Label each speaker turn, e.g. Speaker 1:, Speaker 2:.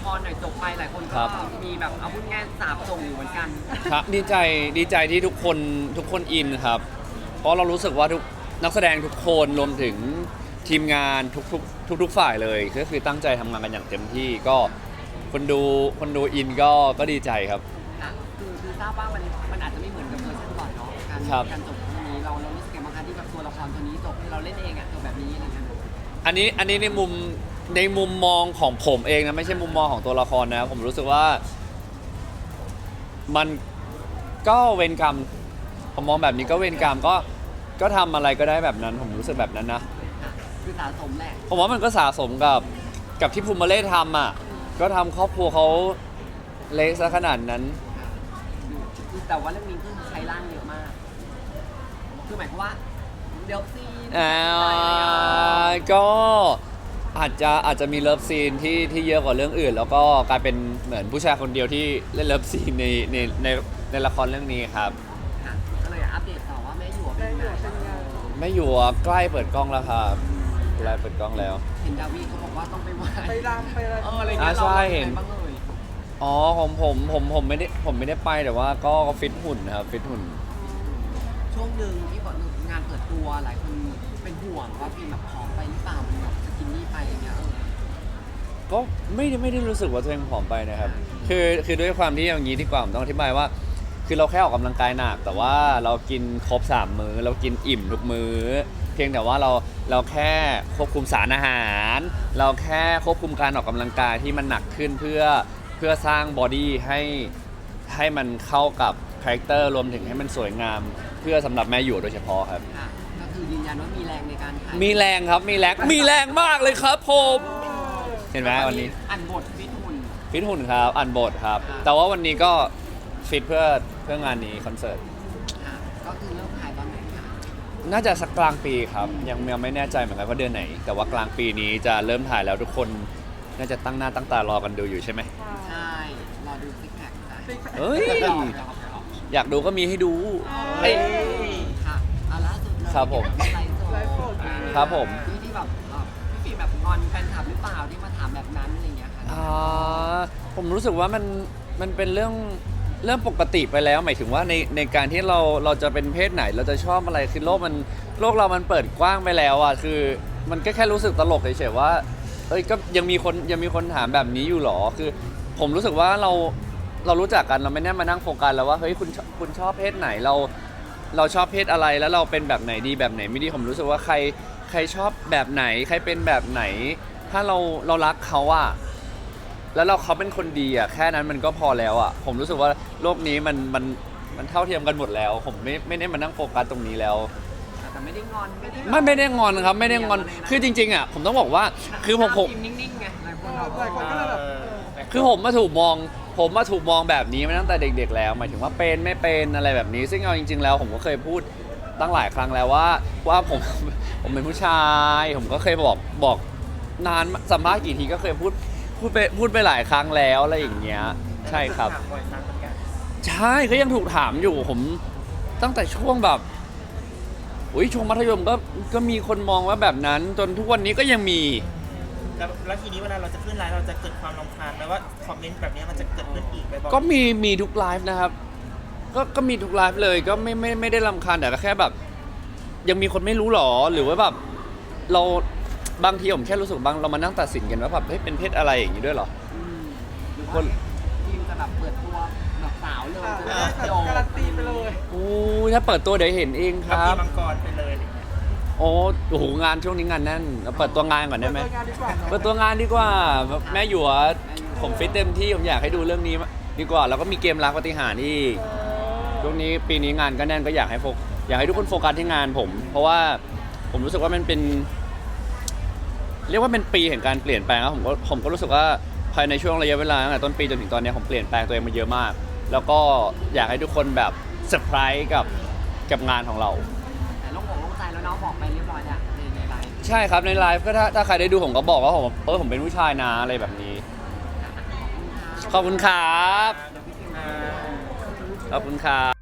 Speaker 1: ครหน่อยจบไปหลายคน
Speaker 2: ค
Speaker 1: ก็
Speaker 2: รับ
Speaker 1: มีแบบเอาพูดง่ายสาบส่งอยู่เหมือนกัน
Speaker 2: ครับดีใจที่ทุกคนอินครับ เพราะเรารู้สึกว่าทุกนักแสดงทุกคนรวมถึงทีมงานทุกฝ่ายเลยก็คือตั้งใจทำงานกันอย่างเต็มที่ก็คนดูอินก็ดีใจครับ
Speaker 1: ค่ะคือทราบว่ามันอาจจะไม่เหมือนกับเวอร์ชันก่อนเนาะการ
Speaker 2: ครับ
Speaker 1: การจบตรงนี้เรารู้สึกยังไงบ้างคะที่แบบตัวละครตัวนี้จบที่เราเล่นเองจบแบบนี้อะไรเงี้ย
Speaker 2: อันนี้ในมุมมองของผมเองนะไม่ใช่มุมมองของตัวละครนะผมรู้สึกว่ามันก็เวรกรรมผมมองแบบนี้ก็เวรกรรมก็ทำอะไรก็ได้แบบนั้นผมรู้สึกแบบนั้นนะ
Speaker 1: ค่ะคือสะสมแหละ
Speaker 2: ผมว่ามันก็สะสมกับที่ภูมิมาเล่ทำอ่ะก็ทำครอบครัวเขาเละซะขนาดนั้น
Speaker 1: ค่ะคือแต่ว่าเรื่องนี้คือใช้ร่างเยอะมาก คือหมายความว่าเดี๋ยวซีน
Speaker 2: ก็อาจจะมีเลิฟซีนที่เยอะกว่าเรื่องอื่น แล้วก็กลายเป็นเหมือนผู้ชายคนเดียวที่เล่นเลิฟซีนในละครเรื่องนี้ครับ
Speaker 1: ค่ะก็เลยอัปเดตต่อว่าแม่หยวกเป็นไง
Speaker 2: ไม่อยู่อ่ะใกล้เปิดกล้องแล้วครับใกล้เปิดกล้องแล้ว
Speaker 1: เห็นดาวีเขาบอกว่าต้องไปไหว้
Speaker 3: ไปรำไปอะไร
Speaker 1: อะไรเงี้ย
Speaker 2: ใช่
Speaker 1: เรา
Speaker 2: เห็น
Speaker 1: บ้างเลย
Speaker 2: อ๋อของผมไม่ได้ไปแต่ว่าก็ฟิตหุ่นนะครับฟิตหุ่น
Speaker 1: ช่วงหนึ่งที่ก่อนงานเปิดตัวหลายคนเป็นห่วงว่าฟิล์มแบบผอมไปหรือเปล่ามันแบบสกินนี่ไปอะไรเงี้ย
Speaker 2: ก็ไม่ได้รู้สึกว่าตัวเองผอมไปนะครับคือด้วยความที่อย่างนี้ดีกว่าผมต้องอธิบายว่า คือเราแค่ออกกำลังกายหนักแต่ว่าเรากินครบ3มื้อเรากินอิ่มทุกมื้อเพียงแต่ว่าเราแค่ควบคุมสารอาหาร เราแค่ควบคุมการออกกำลังกายที่มันหนักขึ้นเพื่อสร้างบอดี้ให้มันเข้ากับคาแรคเตอร์รวมถึงให้มันสวยงาม เพื่อสำหรับแม่หยวกโดยเฉพาะครับ
Speaker 1: ค่ะก็คือยืนยันว่ามีแรงในการถ่าย
Speaker 2: มีแรงครับมีแรงมากเลยครับผมเห็นไหมวันนี้
Speaker 1: อ่านบทฟิตหุ่น
Speaker 2: ฟิตหุ่นครับอ่านบทครับ
Speaker 1: อ่า
Speaker 2: แต่ว่าวันนี้ก็ฟิตเพื่องานนี้คอนเสิร์ต
Speaker 1: ค่ะก็คือเริ่มถ่ายตอนไหนคะ
Speaker 2: น่าจะสักกลางปีครับยังไม่แน่ใจเหมือนกันว่าเดือนไหน แต่ว่ากลางปีนี้จะเริ่มถ่ายแล้วทุกคนน่าจะตั้งหน้าตั้งตารอกันดูอยู่ใช่ไหม
Speaker 1: ใช่รอดูซิกแพคค่ะ
Speaker 2: เฮ้ย อยากดูก็มีให้ดู
Speaker 1: เฮ้ยค่ะเอาล่าสุดเลย
Speaker 2: ครับผม
Speaker 1: ไลฟ์สด
Speaker 3: ไลฟ์สด
Speaker 2: ครับผม
Speaker 1: ที่แบบพี่ฟิล์มแบบงอนแฟนคลับหรือเปล่าที่มาถามแบบนั้นอะไรอย่างเงี้ยค่ะ
Speaker 2: ผมรู้สึกว่ามันเป็นเรื่องปกติไปแล้วหมายถึงว่าในการที่เราจะเป็นเพศไหนเราจะชอบอะไรคือโลกเรามันเปิดกว้างไปแล้วอ่ะคือมันก็แค่รู้สึกตลกเฉยๆว่าเอ้ยก็ยังมีคนถามแบบนี้อยู่หรอคือ ผมรู้สึกว่าเรารู้จักกันเราไม่แน่มานั่งโฟกัสแล้วว่าเฮ้ยคุณชอบเพศไหนเราชอบเพศอะไรแล้วเราเป็นแบบไหนดีแบบไหนไม่ดีผมรู้สึกว่าใครชอบแบบไหนใครเป็นแบบไหน ถ้าเรารักเขาอะแล้วเขาเป็นคนดีอะแค่นั้นมันก็พอแล้วอะผมรู้สึกว่าโลกนี้มันเท่าเทียมกันหมดแล้ว ผมไม่ได้มานั่งโฟกัสตรงนี้แล้ว
Speaker 1: แต่ไม่ได้งอนไม่ได้
Speaker 2: ไม่ได้งอนครับไม่ได้งอนคือจริงๆอะผมต้องบอกว่าคือผม
Speaker 1: ฟิล์นิ่งๆไงหลายคนแบบ
Speaker 3: หลายคนก็เลยแบบ
Speaker 2: คือผมมาถูกมองแบบนี้มาตั้งแต่เด็กๆแล้วหมายถึงว่าเป็นไม่เป็นอะไรแบบนี้ ซึ่งเอาจริงๆแล้วผมก็เคยพูดตั้งหลายครั้งแล้วว่าผมเป็นผู้ชายผมก็เคยบอกนานสัมภาษณ์กี่ทีก็เคยพูดไปหลายครั้งแล้วอะไรอย่างเงี้ยใช่ครับ ใช่ก็ยังถูกถามอยู่ผมตั้งแต่ช่วงแบบช่วงมัธยมก็มีคนมองว่าแบบนั้น จนทุกวันนี้ก็ยังมี
Speaker 4: แล้วทีนี้เวลาเราจะขึ้นไลฟ์เราจะเกิดความรำคาญไหมว่าคอมเมนต์แบบนี้มันจะเกิดขึ้นอีกบ่อยๆ
Speaker 2: ก็มีทุกไลฟ์นะครับก็มีทุกไลฟ์เลยก็ไม่ได้รำคาญแต่ก็แค่แบบ ยังมีคนไม่รู้หรอหรือว่าแบบเราบางทีผมแค่รู้สึกเรามานั่งตัดสินกันว่าแบบเฮ้ยเป็นเพศอะไรอย่างนี้ด้วยเหรอ
Speaker 1: หรือว่าฟิล์มจะแบบเปิดตัวแบบสาวเลยจะได้
Speaker 3: แบบ
Speaker 1: โย
Speaker 3: การันตีไปเลย
Speaker 2: โอ้ยถ้าเปิดตัวเดี๋ยวเห็นเองค
Speaker 4: กับ
Speaker 2: รั
Speaker 4: ปี
Speaker 2: บ
Speaker 4: มังกรไปเลยอะไรเงี้ย
Speaker 2: โอ้โหงานช่วงนี้งานแน่นเราเปิดตัวงานก่อนได้ไหม
Speaker 3: เปิดตัวงานดีกว่าเนอะ
Speaker 2: เปิดตัวงานดีกว่าแม่หยวดผมฟิตเต็มที่ผมอยากให้ดูเรื่องนี้ดีกว่าแล้วก็มีเกมรักปาฏิหาริย์อีกช่วงนี้ปีนี้งานก็แน่นก็อยากให้ทุกคนโฟกัสที่งานผม เพราะว่าผมรู้สึกว่ามันเป็น เรียกว่าเป็นปีแห่งการเปลี่ยนแปลงครับผมก็รู้สึกว่าภายในช่วงระยะเวลาตั้งแต่ต้นปีจนถึงตอนนี้ผมเปลี่ยนแปลงตัวเองมาเยอะมาก แล้วก็อยากให้ทุกคนแบบเซอร์ไพรส์กับงานของเรา
Speaker 1: แต่โล่งใจแล้วน้องบอกไปเรียบร้อยแล้วในไลฟ์
Speaker 2: ใช่ครับในไลฟ์ก็ถ้าใครได้ดูผมก็บอกว่าผมเป็นผู้ชายนะอะไรแบบนี้ ขอบคุณครับ ขอบคุณครับ